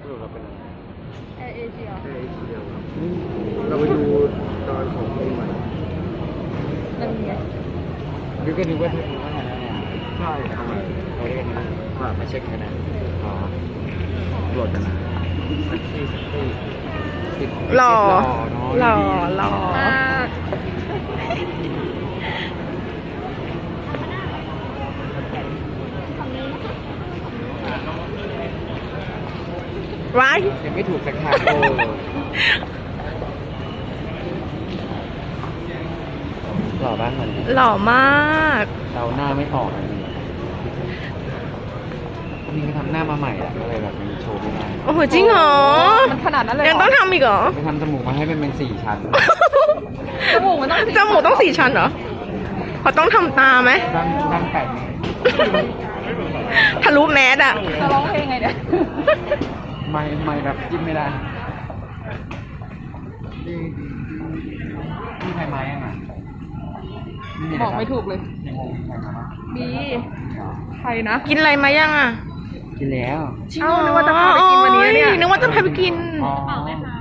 รุปเราเป็นอะไรแอร์เอเชียแค่เดียวเราไปดูตอนของปีใหม่นั่นไงคือก็นึกว่าจะว่าอะไรเนี่ยใช่ทำไมเราเรียกนะว่ามาเช็คกันนะอ๋อโหลดกันนะสักทีติดหล่อเนาะหล่อไว้ยังไม่ถูกสักทางหล่อบ้างมันหล่อมากเราหน้าไม่ออกอันนี้นี่ก็ทำหน้ามาใหม่อะก็เลยแบบมีโชว์ไม่ได้โอ้โห จริงเหรอมันขนาดนั้นเลยยังต้องทำอีกเหรอไปทำจมูกมาให้มันเป็น4 ชั้นจมูกมันต้องจมูกต้อง4 ชั้นเหรอเขาต้องทำตาไหมดัง8 เมตรทะลุแมสอะจะร้องเพลงไงเนี่ยไม่แบบจิ้มไม่ได้นี่ใครมายังอ่ะบอกไม่ถูกเลยยังงงใครมาบ้างมีใครนะกินอะไรมายังอะกินแล้วเอ้านึกว่าจะพาไปกินวันนี้เนี่ยนึกว่าจะพาไปกินอ๋อ